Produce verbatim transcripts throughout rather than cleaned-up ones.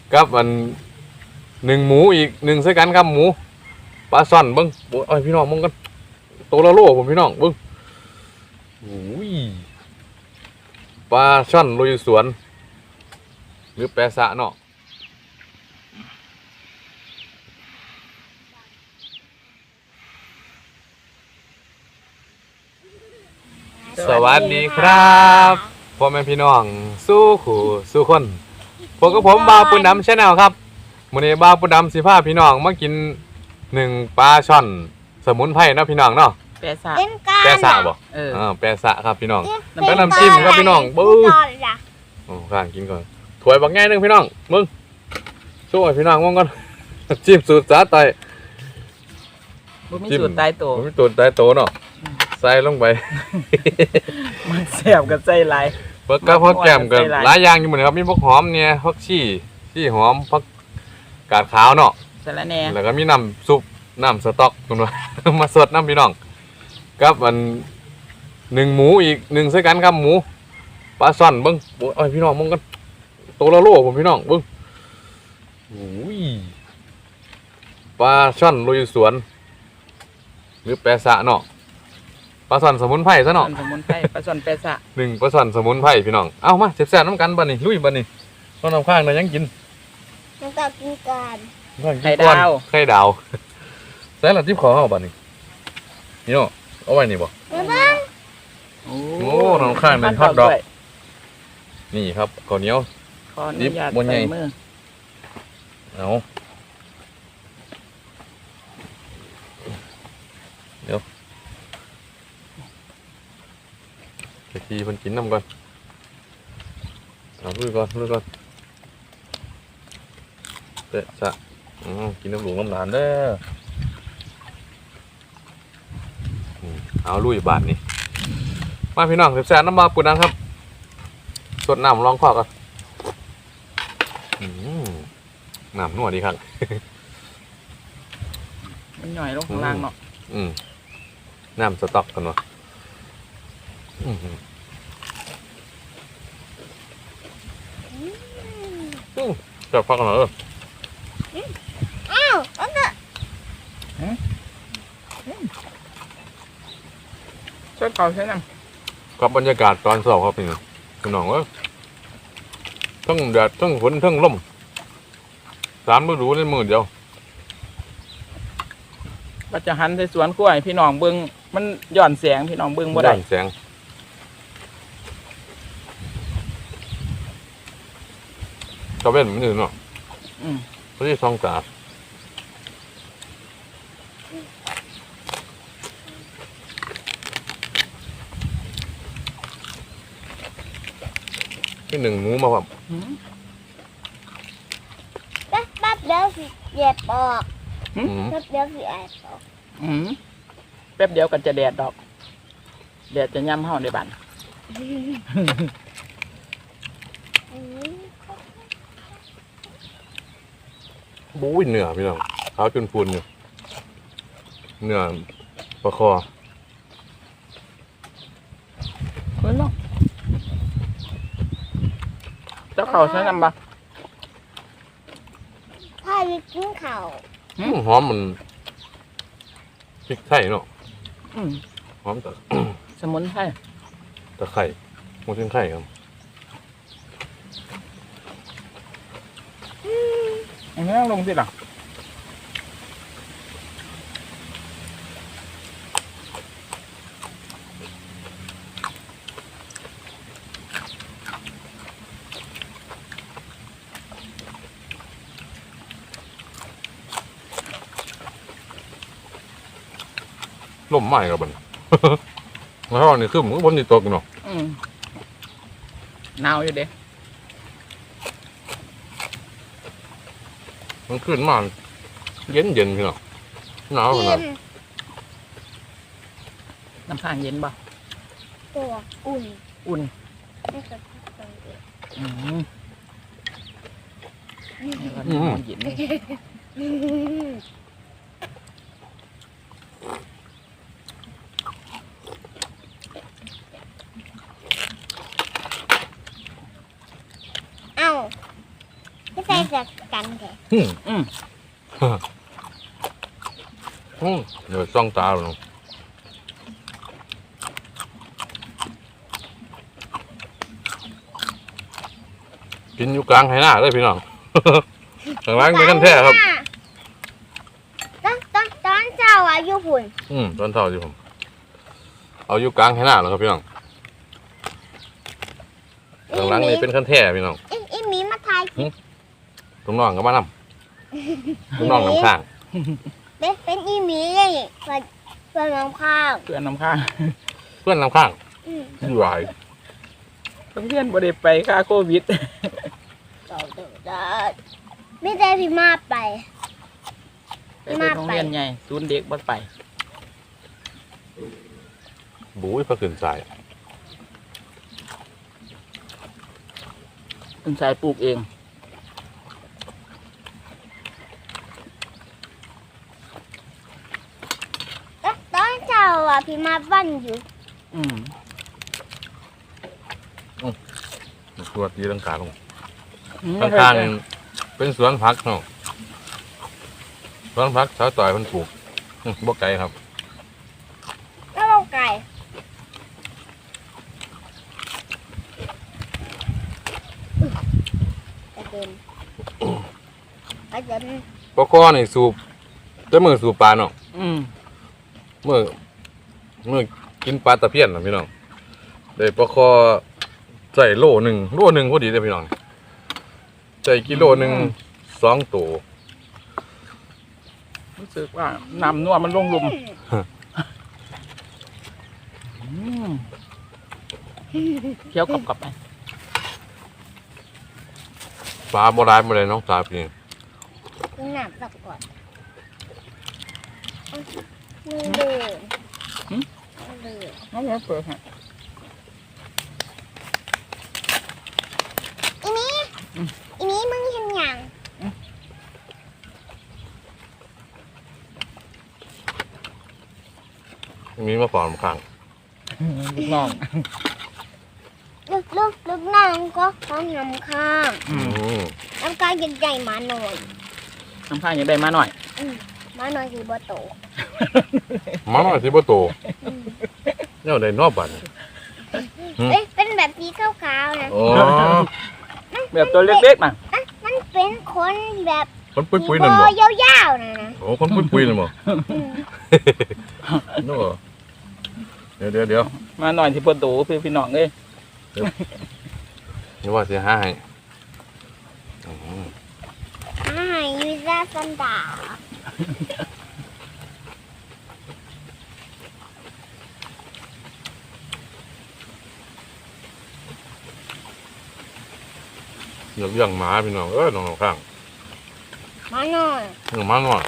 กับอันหนึ่งหมูอีกหนึ่งใส่กันครับหมูปลาซ่อนเบิ้งโอ้ยพี่น้องมึงกันตัวละโลผมพี่น้องเบิ้งโอ้ยปลาช่อนลุยสวนหรือแปะสะเนาะสวัสดีครับพ่อแม่พี่น้องสู้ขู่สู้คนพวกกับผมบาวปุณดำชาแนลครับมื้อนี้บาวปุณดำสิพาพี่น้องมากินหนึ่งปลาช่อนสมุนไพรเนาะพี่น้องเนาะแปะสะแปะสะบ่เออแปะสะครับพี่น้องแล้วน้ำจิ้มครับพี่น้องบึ้งโอ้ข้างกินก่อนถ้วยบักแง่นึงพี่น้องมึงช่วยพี่น้องมึงก่อนจิ้มสูตรสาไตบ่มีสูตรตายตัวบ่มีสูตรตายตัวเนาะใส่ลงไปมันแซ่บกับใจหลายเบิกกับผักแก้มกับหลายอย่างอยู่เหมือนครับมีผักหอมเนี่ยผักชีชี่หอมผักกาดขาวเนาะสะระแหน่แล้วก็มีน้ำซุปน้ำสต๊อกคุณว่ามาสดน้ำพี่น้องกับอันหนึ่งหมูอีกหนึ่งใส่กันครับหมูปลาซ่อนเบิ้งโอ้ยพี่น้องมึงกันตัวละโลผมพี่น้องเบิ้งโอ้ยปลาช่อนลุยสวนหรือแปะสะเนาะปลาซ่อนสมุนไพรซะเนาะสมุนไพรปลาซ่อนแปะสะหนึ่งปลาซ่อนสมุนไพรพี่น้องเอ้ามาแซ่บๆน้ำกันบ้านี่ลุยบ้านี่ต้นน้ำข้างนะยังกินน้ำตาลกินกันไข่ดาวไข่ดาวใส่ละทิพย์ขอเอาบ้านี่นี่เนาะเอาไว้นี่บ่โอ้น้ำข้างเป็นฮอตดอกนี่ครับข้าวเหนียวขออนุญาตใส่มือเอาเดี๋ยวไปทีมันกินน้ำก่อนเอาลุยก่อนลุยก่อนเตะสะกินน้ำหลวงน้ำหลานเด้อเอาลุยบาทนี่มาพี่น้องแซ่บๆน้ำบาปูนังครับสดน้ำลองคอกันน้ำนัวดีครับมันหน่อยลงข้างล่างเนาะอืมน้ำสต๊อกกันวะจับฟักกันเหรออ้าวอันน่ะช่วยเป่าใช่ไหมกับบรรยากาศตอนเช้าครับพี่น้องพี่น้องว่าทั้งแดดทั้งฝนทั้งลมสามฤดูในมือเดียวก็จะหันใส่สวนกล้วยพี่น้องเบิ้งมันหย่อนแสงพี่น้องเบิ้งบ่ได้หย่อนแสงกระเว้นมันอยู่เนาะอืมพอดีสองตาที่หนึ่งหมูมาแบบแป๊บแป๊บเดี๋ยวสิแยบออกแป๊บเดี๋ยวสิแอบออกแป๊บเดียวกันจะแดดดอกแดดจะย่ำเฮาในบ้านบู๊ยเหนือพี่น้องเท้าจนพูนอยู่เหนือประคอเฮ้ยน้องเจ้าเขาใช้น้ำปะถ้าวิกินเข่าหอมมันพริกไทยเนาะหอมแต่สมุนไพรตะไคร้หมูชิ้นไข่ครับอันนี้ลงสิหรอล่มไหม้กับมันแล้วนี่คือมันบนนี่ตัวกันเนาะหนาวอยู่เด้มันขึ้นมาเย็นเย็นพี่เนาะหนาวขนาดน้ำข้างเย็นป่ะตัวอุ่นอุ่นไม่กระทบกันเลยอืมเย็นไม่ใช่จากกันแค่อืมอืมอืมเดี๋ยวซ่องตาลงกินอยู่กลางไหหน้าเลยพี่น้อง ข้างล่างเป็นกันแท้ครับตอนตอนตอนเจ้าอายุพุ่นอืมตอนเท่าที่ผม เอาอยู่กลางไหหน้าแล้วครับพี่น้องข้างล่างนี่เป็นกันแท้พี่น้องอีอีหมีมาทายตรงน้องก็มานำตรงน้องน้ำข้างเป็นเป็นอีหมีเลยเพื่อนเพื่อนน้องข้าวเพื่อนน้ำข้างเพื่อนน้ำข้างอืมอยู่ไหวเพื่อนบ่ได้ไปค่าโควิดเจ้าเด้อเด้อไม่ได้พี่มาไปไปเป็นโรงเรียนใหญ่ศูนย์เด็กบ่ไปบุ้ยพระขึ้นสายคุณชายปลูกเองแล้วตอนเช้าอ่ะพี่มาบ้านอยู่อืมตัวตีลังกาลงอืมข้างๆนี่เป็นสวนผักเนาะสวนผักชาวต่อยมันปลูกอื้อบ่ไกลครับแล้วเราไก่กระเด็นกระเด็นปกคอนี่สูบแต่มือสูบปลาเนาะอืมเมื่อเมื่อกินปลาตะเพียนนะพี่น้องได้ปลาคอใส่โลหนึ่งโลหนึ่งพอดีเลยพี่น้องใส่กิโลหนึ่งสองตัวรู้สึกว่าน้ำนัวมันลงลุมอืมเคี้ยวกลับๆไปปลาโบราณมาเลยน้องสาวพี่ต้องหนักสักก่อนมือเดือดมือเดือดน้องมาเปิดฮะอีนี้อีนี้มึงเห็นยังมีมาฝอนข้างลูกน้องลูกลูกลูกน้องก็ต้องนำข้างอือืมมน้ำกายใหญ่ๆมาหน่อยน้ำข้างยังได้มาหน่อยมาหน่อยคือบ่โตมาหน่อยสิบ่โตเนี่ยได้นอกบัดนี่เอ้ยเป็นแบบสีขาวๆนะอ๋อแบบตัวเล็กๆมาอ่ะมันเป็นคนแบบคนปุ้ยๆนั่นบ่สียาวๆนะนะโอ้คนปุ้ยๆนั่นบ่อืมเนาะเดี๋ยวเดี๋ยวเดี๋ยวมาหน่อยที่ปวดตูพี่พี่น้องเอ้ยนี่ว่าสิหาให้อืมอ่ายูซาซันดาเดี๋ยวเลี้ยงหมาพี่น้องเอ้ยน้องข้างมาหน่อยเลี้ยงหมาหน่อย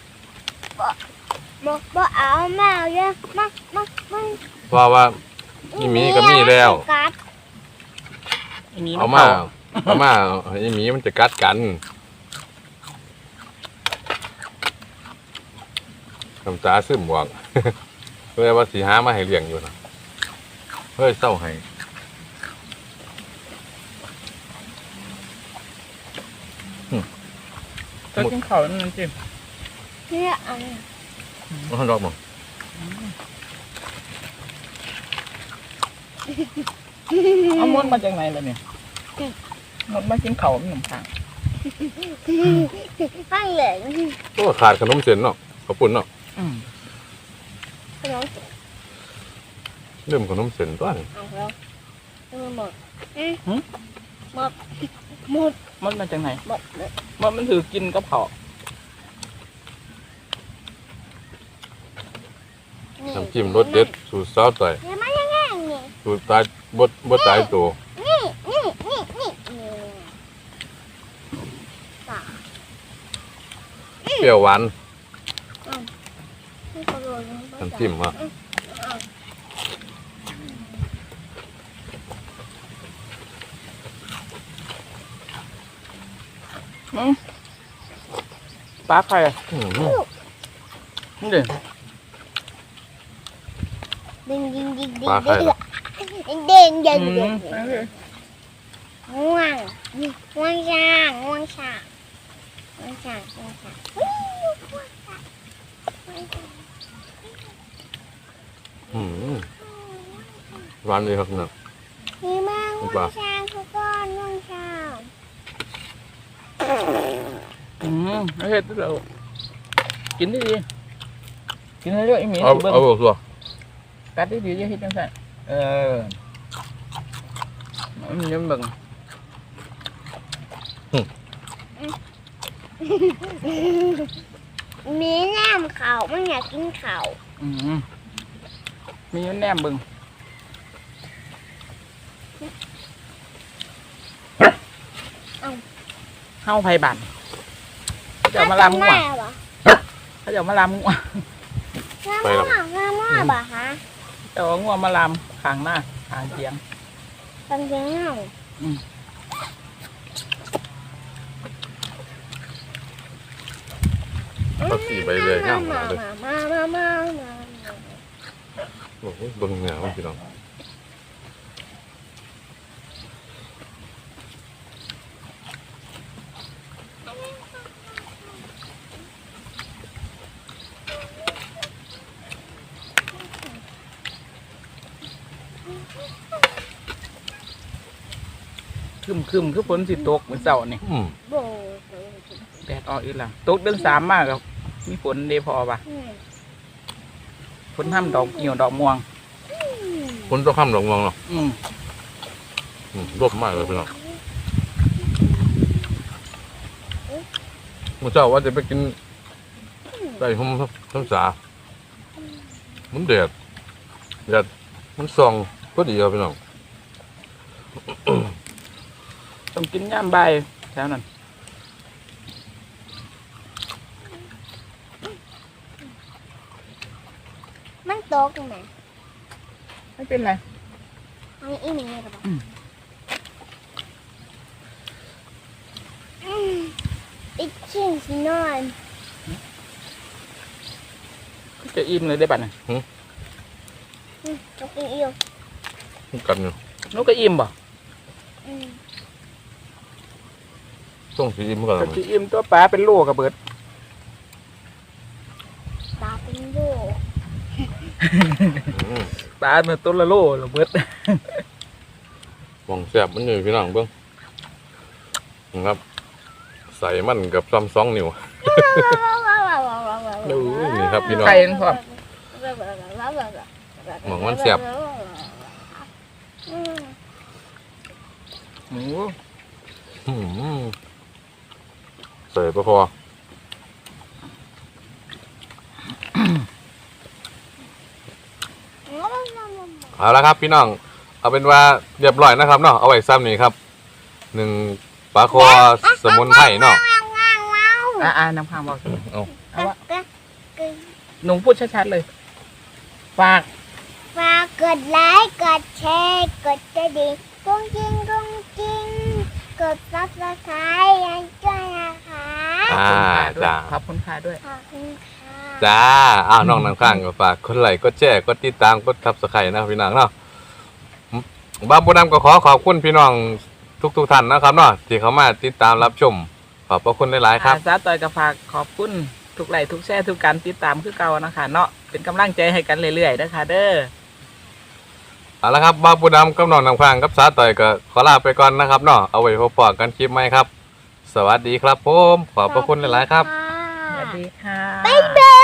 บอกบอกเอามาเยอะมามามาเพราะว่าอีหมีก็มีแล้วกัดอันนี้เอาน้ำมาเผาเอามาไอ้หมีมันจะกัดกันคำตาซึมบอก เพื่อว่าสีหามาให้เลี้ยงอยู่นะเฮ้ยเศร้าให้ก็กินข้าวนั่นสิเนี่ยอันมันดอกมั้งเอามดมาจากไหนล่ะเนี่ยมดมากินข้าวมันหนุ่มข้างข้างเหลืองก็ขาดขนมเส้นเนาะขาวปุ่นเนาะอืมขนมเริ่มขนมเส้นตัวนี้เอาแล้วหมดหมดหมดมดมาจากไหนหมดหมดมดมันถือกินกับข้าวนี่น้ำจิ้มรสเด็ดสูตรสาวต่อยเห็นไหมยังไงนี่สูตรตายบดบดตายตัวนี่นี่นี่นี่นี่ตาเปรี้ยวหวานไม่กระโดดลงไปน้ำจิ้มอ่ะอืมปลาไข่อะอืมนี่เด้ดึงดึงดึงดึงปลาไข่ดึงดึงดึงดึงอืดึมงง่วงง่วงช้างง่วงช้างง่วงช้างง่วงช้างอุ๊ยง่วงช้างง่วงช้างอืมหวานเลยครับเนี่ยมีมากง่วงช้างทุกคนง่วงช้างอืมไม่เห็ดเรากินได้ดีกินได้เยอะอีหมีเอาสิเบิ้งเอาบอกตัวกัดได้ดีจะเห็ดจังซั่นเออมันยังเบิ่งมีแหนมเขาไม่อยากกินเขาอืมมีแหนมเบิ่งเฮาไผบันเขาจะเอามาลามงัวเหรอเขาจะเอามาลามงัวง่วงง่วงง่วงบ่ฮะจะเอางัวมาลามข้างหน้าข้างเตียงตังเดียวเอาสีไปเลยง่ามหนาเลยมามามามาโอ้โหเบิ่งเงาพี่น้องคึมคึมคือฝนสิตกมื้อเช้านี่อืมโบแดดออกอีกแล้วตกเดือนสามมากครับมีฝนเดพอปะฝนทำดอกเหี่ยวดอกม่วงคนต้องข้ามหลงมองเนาะอืมอืมรบมากเลยพี่น้องเมื่อเช้าว่าจะไปกินไก่ห่มทั้งสามันแดดแดดมันส่องก็ดีครับพี่น้องต้องกินย่ามใบายแถวนั้นมันตกไหมไม่เป็นไรอันนี้อีหมีหรือเปล่าอีกชิ้นสินอนจะอิ่มเลยได้บัดน่ะตกอีกมันกันอยู่นกก็อิ่มบ่ต้องสีมันกันก็จะอิ่มตัวปลาเป็นโลกระเบิดตาเป็นโบอืมปลาเนื้อตัวละโลระเบิดมองแซ่บมันอยู่พี่น้องเบิ้งนะครับ ใส่มันกับซ้ำสองนิ้ว ดูนี่ครับพี่น้องไข่นั่นพร้อมหมองมันแซ่บหมูอืมใส่ปลาคอเอาละครับพี่น้อง เอาเป็นว่าเรียบร้อยนะครับเนาะเอาไว้ซ้ำนี่ครับหนึ่งปลาคอสมุนไพรเนาะอ่าอ่าน้ำข้างบอกเอาเอาวะหนุ่งพูดชัดๆเลย ฝากฝากกดไลค์กดแชร์กดกระดิ่งกุ้งกิ้งกุ้งกิ้งกดซับสไครต์ยังด้วยนะคะอ่าจ้าขอบคุณค่ะด้วยขอบคุณค่ะจ้าอ้าวน้องน้ำข้างก็ฝากกดไลค์กดแชร์กดติดตามกดทับสไครต์นะครับพี่น้องเนาะบ้าบุญนำก็ขอขอบคุณพี่น้องทุกๆท่านนะครับเนาะที่เข้ามาติดตามรับชมขอบพระคุณหลายๆครับอาสาต่อยกับฝากขอบคุณทุกไลค์ทุกแชร์ทุกการติดตามคือเก่านะคะเนาะเป็นกำลังใจให้กันเรื่อยๆนะคะเด้อเอาละครับบ้าบุญนำกับน้องน้ำข้างกับสาต่อยก็ขอลาไปก่อนนะครับเนาะเอาไว้พบปะกันคลิปใหม่ครับ สวัสดีครับผมขอบพระคุณหลายๆครับสวัสดีค่ะบ๊ายบาย